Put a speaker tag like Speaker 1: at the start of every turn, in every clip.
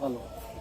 Speaker 1: Hello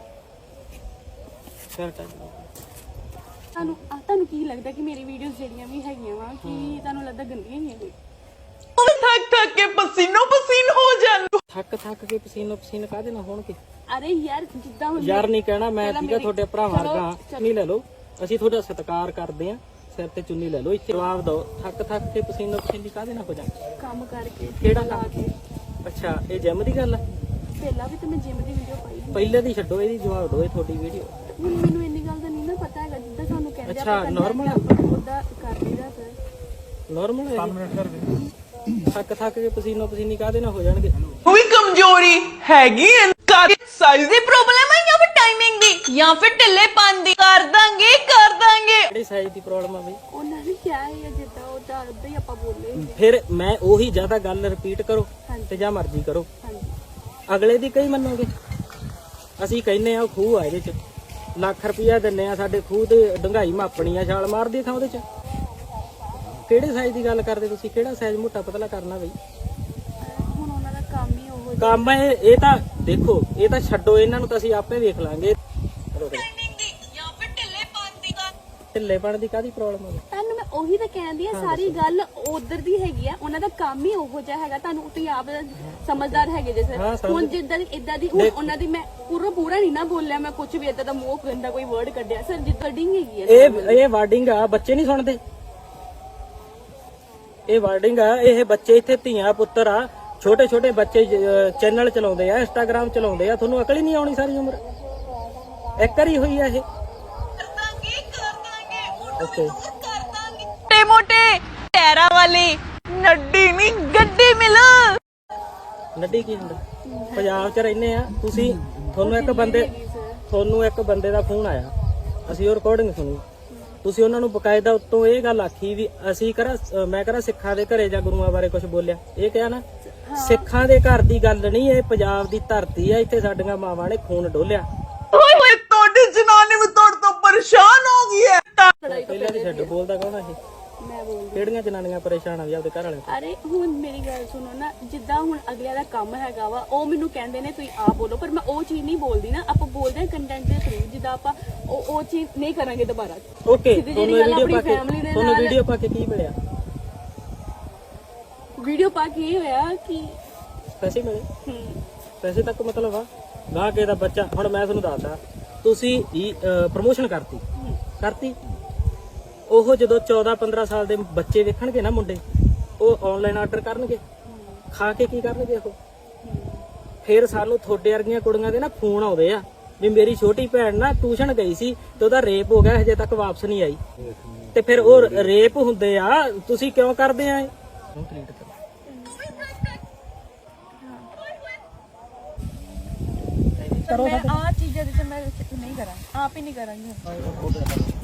Speaker 2: ਤੁਹਾਨੂੰ ਕੀ ਲੱਗਦਾ ਕਿ ਮੇਰੀ ਵੀਡੀਓਜ਼ ਜਿਹੜੀਆਂ ਵੀ ਹੈਗੀਆਂ ਵਾ ਕਿ ਤੁਹਾਨੂੰ ਲੱਗਦਾ ਗੰਦੀਆਂ ਹੀ ਆ ਕੋਈ?
Speaker 3: ਥੱਕ ਥੱਕ ਕੇ ਪਸੀਨੋ ਪਸੀਨ ਹੋ ਜਾਂਦੇ।
Speaker 1: ਥੱਕ ਕੇ ਪਸੀਨੋ ਪਸੀਨ ਕਾਹਦੇ ਨਾਲ ਹੋਣਗੇ?
Speaker 2: ਅਰੇ ਯਾਰ ਜਿੱਦਾਂ ਹੁਣ
Speaker 1: ਯਾਰ ਨਹੀਂ ਕਹਿਣਾ ਮੈਂ,
Speaker 2: ਪਹਿਲਾਂ
Speaker 1: ਠੀਕ ਆ ਤੁਹਾਡੇ ਭਰਾ
Speaker 2: ਚਲੋ,
Speaker 1: ਵਰਗਾ। ਚੁੰਨੀ ਲੈ ਲਓ, ਅਸੀਂ ਤੁਹਾਡਾ ਸਤਿਕਾਰ ਕਰਦੇ ਆ, ਸਿਰ ਤੇ ਚੁੰਨੀ ਲੈ ਲਓ। ਇੱਥੇ ਜਵਾਬ ਦਿਓ, ਥੱਕ ਕੇ ਪਸੀਨੋ ਪਸੀਨੀ ਕਾਹਦੇ ਨਾਲ ਹੋ ਜਾਂਦੇ?
Speaker 2: ਕੰਮ ਕਰਕੇ
Speaker 1: ਕਿਹੜਾ
Speaker 2: ਲਾ
Speaker 1: ਕੰਮ?
Speaker 2: ਕੇ
Speaker 1: ਅੱਛਾ, ਇਹ ਜਿਮ ਦੀ ਗੱਲ ਆ?
Speaker 2: ਪਹਿਲਾਂ ਵੀ ਤਾਂ ਮੈਂ ਜਿਮ ਦੀ ਵੀਡੀਓ ਪਾਈ ਸੀ।
Speaker 1: ਪਹਿਲੇ ਦੀ ਛੱਡੋ, ਇਹਦੀ ਜਵਾਬ ਦਿਓ। ਇਹ ਤੁਹਾਡੀ ਵੀਡੀਓ
Speaker 2: ਹੁਣ ਮੈਨੂੰ ਇੰਨੀ ਗੱਲ ਦਾ ਨਹੀਂ ਨਾ ਪਤਾ ਹੈਗਾ, ਜਿੱਦਾਂ ਤੁਹਾਨੂੰ ਕਹਿੰਦੇ
Speaker 1: ਅੱਛਾ, normal ਆ?
Speaker 2: ਉਹਦਾ ਕਰ ਲਈਦਾ ਸਰ।
Speaker 1: ਨਾਰਮਲ ਹੈ? 5 ਮਿੰਟ ਕਰ ਦੇ। ਥੱਕ ਕੇ ਪਸੀਨੋ ਪਸੀਨੀ ਕਾਹਦੇ ਨਾਲ ਹੋ ਜਾਣਗੇ?
Speaker 3: ਉਹ ਵੀ ਕਮਜ਼ੋਰੀ ਹੈਗੀ ਐ, ਸਾਈਜ਼ ਦੀ ਪ੍ਰੋਬਲਮ ਹੈ ਜਾਂ ਫਿਰ ਟਾਈਮਿੰਗ ਦੀ ਜਾਂ ਫਿਰ ਢਿੱਲੇਪਨ ਦੀ? ਕਰ ਦਾਂਗੇ
Speaker 1: ਕਿਹੜੀ ਸਾਈਜ਼ ਦੀ ਪ੍ਰੋਬਲਮ ਆ ਬਈ?
Speaker 2: ਉਹਨਾਂ ਨੇ ਕਿਹਾ ਹੈ ਜਿੱਦਾਂ ਉਹ ਤਾਂ ਉਦਾਂ ਹੀ ਆਪਾਂ ਬੋਲੇ।
Speaker 1: ਫਿਰ ਮੈਂ ਉਹੀ ਜ਼ਿਆਦਾ ਗੱਲ ਰਿਪੀਟ ਕਰੋ
Speaker 2: ਹਾਂਜੀ।
Speaker 1: ਤੇ ਜਾਂ ਮਰਜ਼ੀ ਕਰੋ,
Speaker 2: ਹਾਂਜੀ
Speaker 1: ਅਗਲੇ ਦੀ ਕਈ ਮੰਨੋਗੇ? ਅਸੀਂ ਕਹਿੰਨੇ ਆ ਖੂਹ ਆ, ਇਹਦੇ ਚ ਲੱਖ ਰੁਪਇਆ ਦਿੰਨੇ ਆ, ਸਾਡੇ ਖੂਹ ਤੇ ਡੰਗਾਈ ਮਾਪਣੀ ਆ, ਛਾਲ ਮਾਰਦੀ ਥਾਂ ਉਹਦੇ ਚ। ਕਿਹੜੇ ਸਾਈਜ਼ ਦੀ ਗੱਲ ਕਰਦੇ ਤੁਸੀਂ? ਕਿਹੜਾ ਸਾਈਜ਼ ਮੋਟਾ ਪਤਲਾ ਕਰਨਾ ਬਈ?
Speaker 2: ਹੁਣ ਉਹਨਾਂ ਦਾ ਕੰਮ ਹੀ ਉਹ
Speaker 1: ਕੰਮ ਇਹ ਤਾਂ ਦੇਖੋ, ਇਹ ਤਾਂ ਛੱਡੋ, ਇਹਨਾਂ ਨੂੰ ਤਾਂ ਅਸੀਂ ਆਪੇ ਵੇਖ ਲਾਂਗੇ।
Speaker 3: ਟਾਈਮਿੰਗ ਦੀ ਜਾਂ ਫਿਰ ਢਿੱਲੇਪਨ ਦੀ?
Speaker 1: ਢਿੱਲੇਪਣ ਦੀ ਕਾਹਦੀ ਪ੍ਰੋਬਲਮ ਹੈ?
Speaker 2: ਤੁਹਾਨੂੰ ਮੈਂ ਉਹੀ ਤਾਂ ਕਹਿੰਦੀ ਆ, ਸਾਰੀ ਗੱਲ ਉਧਰ ਦੀ ਹੈਗੀ ਆ। ਉਹਨਾਂ ਦਾ ਕੰਮ ਹੀ ਉਹੋ ਜਿਹਾ ਹੈਗਾ, ਤੁਹਾਨੂੰ ਤੁਸੀਂ ਆਪ ਸਮਝਦਾਰ ਹੈਗੇ ਜੇ
Speaker 1: ਹਾਂ,
Speaker 2: ਸਰ। ਹੁਣ ਜਿੱਦਾਂ ਦੀ ਇਦਾਂ ਦੀ ਹੁਣ ਉਹਨਾਂ ਦੀ ਮੈਂ ਪੂਰਾ ਨਹੀਂ ਨਾ ਬੋਲਿਆ, ਮੈਂ ਕੁਝ ਵੀ ਇਦਾਂ ਦਾ ਮੂੰਹ ਗੰਦਾ ਕੋਈ ਵਰਡ ਕੱਢਿਆ ਸਰ, ਜਿੱਦਾਂ ਡਿੰਗ ਹੈਗੀ ਆ।
Speaker 1: ਇਹ ਵਾਰਡਿੰਗ ਆ, ਬੱਚੇ ਨਹੀਂ ਸੁਣਦੇ। ਇਹ ਵਾਰਡਿੰਗ ਆ, ਇਹ ਬੱਚੇ ਇੱਥੇ ਧੀਆਂ ਪੁੱਤਰ ਆ, ਛੋਟੇ ਛੋਟੇ ਬੱਚੇ ਚੈਨਲ ਚਲਾਉਂਦੇ ਆ, ਇੰਸਟਾਗ੍ਰਾਮ ਚਲਾਉਂਦੇ ਆ। ਤੁਹਾਨੂੰ ਅਕਲ ਹੀ ਨਹੀਂ ਆਉਣੀ ਸਾਰੀ ਉਮਰ? ਇੱਕ ਵਾਰੀ ਹੋਈ ਆ ਇਹ? ਓਕੇ,
Speaker 3: ਮੋਟੇ ਮੋਟੇ ਟੈਰਾ ਵਾਲੀ ਨੱਡੀ ਨਹੀਂ ਗੱਡੀ ਮਿਲ।
Speaker 1: ਨੱਡੀ ਕੀ ਹੁੰਦਾ? ਪੰਜਾਬ 'ਚ ਰਹਿੰਦੇ ਆ ਤੁਸੀਂ, ਤੁਹਾਨੂੰ ਇੱਕ ਬੰਦੇ ਦਾ ਫੋਨ ਆਇਆ, ਅਸੀਂ ਉਹ ਰਿਕਾਰਡਿੰਗ ਸੁਣੀ, ਤੁਸੀਂ ਉਹਨਾਂ ਨੂੰ ਬਕਾਇਦਾ ਉੱਤੋਂ ਇਹ ਗੱਲ ਆਖੀ ਵੀ ਅਸੀਂ ਮੈਂ ਕਰਾਂ ਸਿੱਖਾਂ ਦੇ ਘਰੇ ਜਾਂ ਗੁਰੂਆਂ ਬਾਰੇ ਕੁਝ ਬੋਲਿਆ? ਇਹ ਕਿਹਾ ਨਾ, ਸਿੱਖਾਂ ਦੇ ਘਰ ਦੀ ਗੱਲ ਨਹੀਂ, ਇਹ ਪੰਜਾਬ ਦੀ ਧਰਤੀ ਆ, ਇੱਥੇ ਸਾਡੀਆਂ ਮਾਵਾਂ ਨੇ ਖੂਨ ਡੋਲਿਆ।
Speaker 3: ਓਏ ਹੋਏ, ਤੁਹਾਡੀ ਜਨਾਨੀ ਵੀ ਤੁਹਾਡੇ ਤੋਂ ਪਰੇਸ਼ਾਨ ਹੋ ਗਈ ਹੈ।
Speaker 1: ਪਹਿਲਾਂ ਦੀ ਛੱਡ, ਬੋਲਦਾ ਕੌਣ ਆ ਇਹ?
Speaker 2: ਮੈਂ ਬੋਲਦੀ।
Speaker 1: ਕਿਹੜੀਆਂ ਜਨਾਨੀਆਂ ਪਰੇਸ਼ਾਨ ਆ ਵੀ ਆਪਦੇ ਘਰ ਵਾਲੇ?
Speaker 2: ਅਰੇ ਹੁਣ ਮੇਰੀ ਗੱਲ ਸੁਣੋ ਨਾ, ਜਿੱਦਾਂ ਹੁਣ ਅਗਲਿਆਂ ਦਾ ਕੰਮ ਹੈਗਾ ਵਾ, ਉਹ ਮੈਨੂੰ ਕਹਿੰਦੇ ਨੇ ਤੁਸੀਂ ਆਪ ਬੋਲੋ, ਪਰ ਮੈਂ ਉਹ ਚੀਜ਼ ਨਹੀਂ ਬੋਲਦੀ ਨਾ। ਆਪਾਂ ਬੋਲਦੇ ਹਾਂ ਕੰਟੈਂਟ ਦੇ ਥਰੂ, ਜਿੱਦਾਂ ਆਪਾਂ ਉਹ ਚੀਜ਼ ਨਹੀਂ ਕਰਾਂਗੇ ਦੁਬਾਰਾ।
Speaker 1: ਓਕੇ,
Speaker 2: ਸਿੱਧੀ
Speaker 1: ਤੁਹਾਨੂੰ
Speaker 2: ਜਿਹੀ ਗੱਲ
Speaker 1: ਵੀਡੀਓ
Speaker 2: ਆਪਣੀ
Speaker 1: ਪਾ ਕੇ
Speaker 2: family ਦੇ
Speaker 1: ਤੁਹਾਨੂੰ
Speaker 2: ਨਾਲ-
Speaker 1: ਵੀਡੀਓ ਪਾ ਕੇ ਕੀ ਮਿਲਿਆ?
Speaker 2: ਵੀਡੀਓ ਪਾ ਕੇ ਇਹ ਹੋਇਆ ਕਿ
Speaker 1: ਪੈਸੇ ਮਿਲੇ?
Speaker 2: ਹਮ,
Speaker 1: ਪੈਸੇ ਤੱਕ ਮਤਲਬ ਆ ਗਾਹ ਕੇ ਦਾ ਬੱਚਾ। ਹੁਣ ਮੈਂ ਤੁਹਾਨੂੰ ਦੱਸਦਾ, ਤੁਸੀਂ ਪ੍ਰਮੋਸ਼ਨ ਕਰਤੀ, ਉਹ ਜਦੋਂ 14-15 ਸਾਲ ਦੇ ਬੱਚੇ ਵੇਖਣਗੇ ਨਾ ਮੁੰਡੇ, ਉਹ ਆਨਲਾਈਨ ਆਰਡਰ ਕਰਨਗੇ, ਖਾ ਕੇ ਕੀ ਕਰਨਗੇ ਉਹ? ਫਿਰ ਸਾਨੂੰ ਤੁਹਾਡੇ ਵਰਗੀਆਂ ਕੁੜੀਆਂ ਦੇ ਨਾ ਫੋਨ ਆਉਂਦੇ ਆ ਵੀ ਮੇਰੀ ਛੋਟੀ ਭੈਣ ਨਾ ਟਿਊਸ਼ਨ ਗਈ ਸੀ ਤੇ ਉਹਦਾ ਰੇਪ ਹੋ ਗਿਆ, ਹਜੇ ਤੱਕ ਵਾਪਸ ਨਹੀਂ ਆਈ। ਤੇ ਫਿਰ ਉਹ ਰੇਪ ਹੁੰਦੇ ਆ, ਤੁਸੀਂ ਕਿਉਂ ਕਰਦੇ ਆ ਇਹ?
Speaker 2: ਮੈਂ ਆ ਚੀਜ਼ਾਂ ਦੇ ਤੇ ਮੈਂ ਨਹੀਂ ਕਰਾਂ, ਆਪ ਹੀ ਨਹੀਂ ਕਰਾਂਗੀ।